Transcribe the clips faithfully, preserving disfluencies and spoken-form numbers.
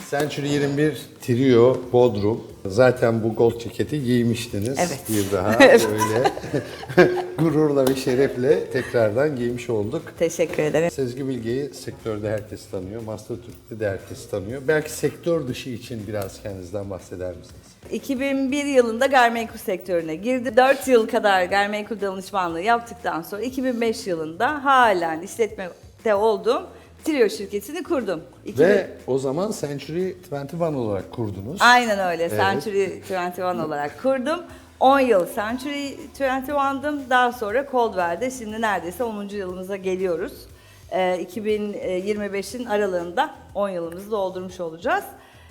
Century yirmi bir Trio Bodrum. Zaten bu gold ceketi giymiştiniz. Evet. Bir daha böyle gururla ve şerefle tekrardan giymiş olduk. Teşekkür ederim. Sezgi Bilge'yi sektörde herkes tanıyor. Master Türk'te de herkes tanıyor. Belki sektör dışı için biraz kendinizden bahseder misiniz? iki bin bir yılında gayrimenkul sektörüne girdim. dört yıl kadar gayrimenkul danışmanlığı yaptıktan sonra iki bin beş yılında halen işletmede olduğum Trio şirketini kurdum. iki bin Ve o zaman Century yirmi bir olarak kurdunuz. Aynen öyle. Evet. Century yirmi bir olarak kurdum. on yıl Century yirmi bir'dım. Daha sonra Coldwell'de şimdi neredeyse onuncu yılımıza geliyoruz. Ee, iki bin yirmi beşin aralığında on yılımızı doldurmuş olacağız.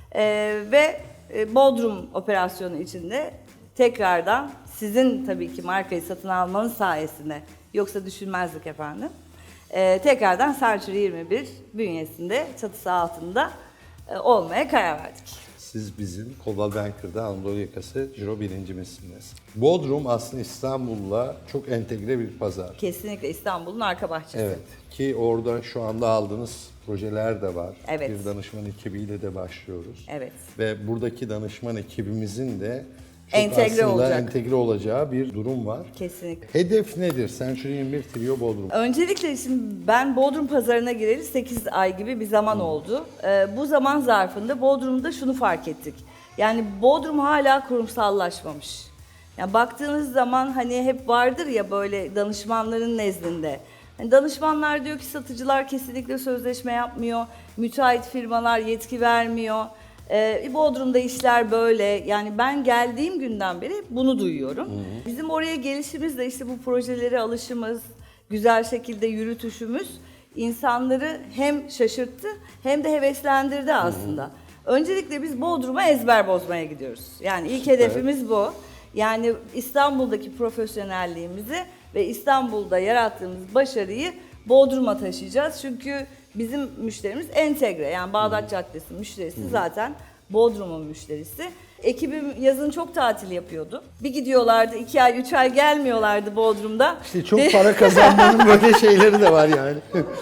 Ee, ve Bodrum operasyonu içinde tekrardan sizin tabii ki markayı satın almanız sayesinde, yoksa düşünmezdik efendim. Ee, tekrardan Century yirmi bir bünyesinde, çatısı altında e, olmaya karar verdik. Siz bizim Coldwell Banker'da Anadolu yakası ciro birincimizsiniz. Bodrum aslında İstanbul'la çok entegre bir pazar. Kesinlikle İstanbul'un arka bahçesi. Evet, ki orada şu anda aldığınız projeler de var. Evet. Bir danışman ekibiyle de başlıyoruz. Evet. Ve buradaki danışman ekibimizin de çok Entegre aslında olacak. entegre olacağı bir durum var. Kesinlikle. Hedef nedir? Century yirmi bir Trio Bodrum. Öncelikle şimdi ben Bodrum pazarına gireli sekiz ay gibi bir zaman oldu. Ee, bu zaman zarfında Bodrum'da şunu fark ettik. Yani Bodrum hala kurumsallaşmamış. Yani baktığınız zaman hani hep vardır ya böyle danışmanların nezdinde. Yani danışmanlar diyor ki satıcılar kesinlikle sözleşme yapmıyor. Müteahhit firmalar yetki vermiyor. Ee, Bodrum'da işler böyle. Yani ben geldiğim günden beri bunu duyuyorum. Hı hı. Bizim oraya gelişimiz de işte bu projelere alışımız, güzel şekilde yürütüşümüz insanları hem şaşırttı hem de heveslendirdi aslında. Hı hı. Öncelikle biz Bodrum'a ezber bozmaya gidiyoruz. Yani ilk hedefimiz bu. Yani İstanbul'daki profesyonelliğimizi ve İstanbul'da yarattığımız başarıyı Bodrum'a taşıyacağız. Çünkü bizim müşterimiz entegre. Yani Bağdat hmm. Caddesi müşterisi hmm. zaten Bodrum'un müşterisi. Ekibim yazın çok tatil yapıyordu. Bir gidiyorlardı, iki ay, üç ay gelmiyorlardı Bodrum'da. İşte çok para kazanmanın böyle şeyleri de var yani.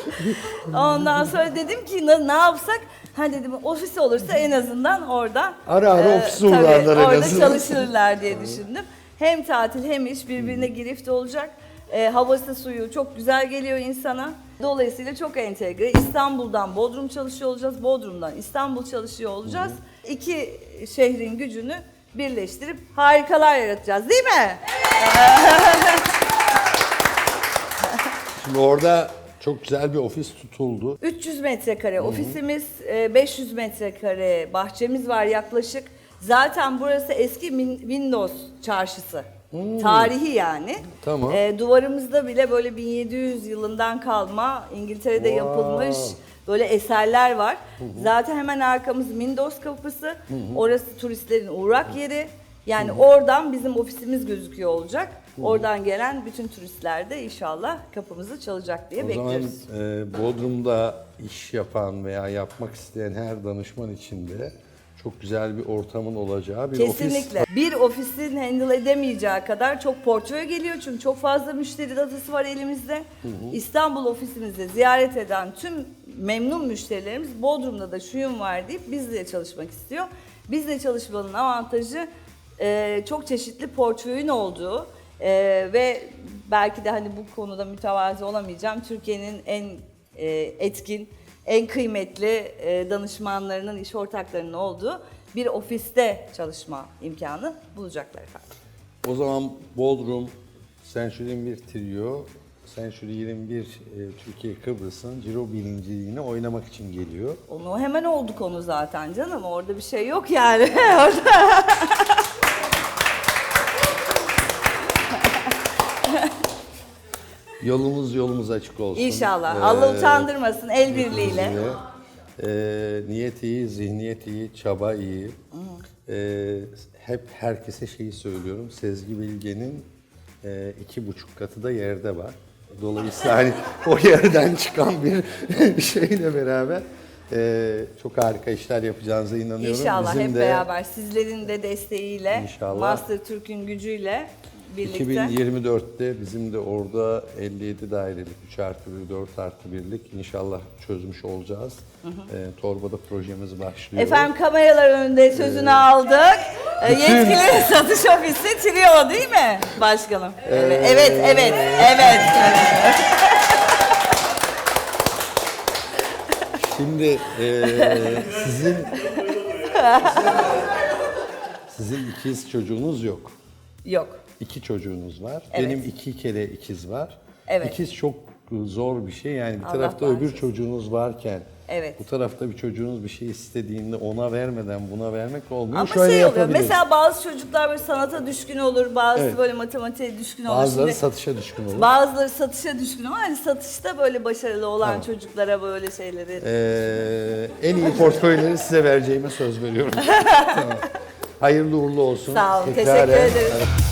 Ondan sonra dedim ki ne, ne yapsak? Ha dedim ofis olursa en azından orada ara ara e, ofis uğrarlar en orada azından. çalışırlar diye düşündüm. Hem tatil hem iş birbirine girift olacak. E, havası suyu çok güzel geliyor insana. Dolayısıyla çok entegre. İstanbul'dan Bodrum çalışıyor olacağız. Bodrum'dan İstanbul çalışıyor olacağız. Hı hı. İki şehrin gücünü birleştirip harikalar yaratacağız değil mi? Evet. Şimdi orada çok güzel bir ofis tutuldu. üç yüz metrekare ofisimiz, beş yüz metrekare bahçemiz var yaklaşık. Zaten burası eski Windows çarşısı. Hmm. Tarihi yani. Tamam. E, duvarımızda bile böyle bin yedi yüz yılından kalma İngiltere'de wow. yapılmış böyle eserler var. Hı hı. Zaten hemen arkamız Windows kapısı. Hı hı. Orası turistlerin uğrak yeri. Yani hı hı. oradan bizim ofisimiz gözüküyor olacak. Hı hı. Oradan gelen bütün turistler de inşallah kapımızı çalacak diye o bekliyoruz. O zaman e, Bodrum'da iş yapan veya yapmak isteyen her danışman için de çok güzel bir ortamın olacağı bir Kesinlikle. ofis. Kesinlikle. Bir ofisin handle edemeyeceği kadar çok portföy geliyor çünkü çok fazla müşteri datası var elimizde. Hı hı. İstanbul ofisimizi ziyaret eden tüm memnun müşterilerimiz Bodrum'da da şuyum var deyip bizle çalışmak istiyor. Bizle çalışmanın avantajı e, çok çeşitli portföyün olduğu e, ve belki de hani bu konuda mütevazi olamayacağım. Türkiye'nin en e, etkin, en kıymetli danışmanlarının, iş ortaklarının olduğu bir ofiste çalışma imkanı bulacaklar efendim. O zaman Bodrum, Century yirmi bir Trio, Century yirmi bir e, Türkiye Kıbrıs'ın ciro birinciliğini oynamak için geliyor. Onu hemen oldu konu zaten canım, orada bir şey yok yani. Yolumuz yolumuz açık olsun. İnşallah. Ee, Allah utandırmasın el birliğiyle. E, niyet iyi, zihniyet iyi, çaba iyi. E, hep herkese şeyi söylüyorum. Sezgi Bilge'nin e, iki buçuk katı da yerde var. Dolayısıyla hani o yerden çıkan bir şeyle beraber e, çok harika işler yapacağınıza inanıyorum. İnşallah Bizim hep de, beraber sizlerin de desteğiyle, İnşallah. Master Türk'ün gücüyle birlikte. iki bin yirmi dörtte bizim de orada elli yedi dairelik üç artı bir, dört artı birlik inşallah çözmüş olacağız. Ee, Torba'da projemiz başlıyor. Efendim kameralar önünde sözünü aldık. Ee, Yetkili satış ofisi Trio değil mi başkanım? Evet, evet, evet, evet. evet. Şimdi eee, sizin sizin ikiz çocuğunuz yok. Yok. İki çocuğunuz var. Evet. Benim iki kere ikiz var. Evet. İkiz çok zor bir şey. Yani bir Allah tarafta öbür bağışlasın. çocuğunuz varken Evet. bu tarafta bir çocuğunuz bir şey istediğinde ona vermeden buna vermek olmuyor. Ama Şöyle şey oluyor. yapabiliriz. Mesela bazı çocuklar böyle sanata düşkün olur, bazı Evet. böyle matematiğe düşkün olur. Bazıları Şimdi satışa düşkün olur. bazıları satışa düşkün ama hani satışta böyle başarılı olan Tamam. çocuklara böyle şeyleri. Ee, en iyi portföyleri size vereceğime söz veriyorum. Tamam. Hayırlı uğurlu olsun. Sağ olun, Tekraren- teşekkür ederim.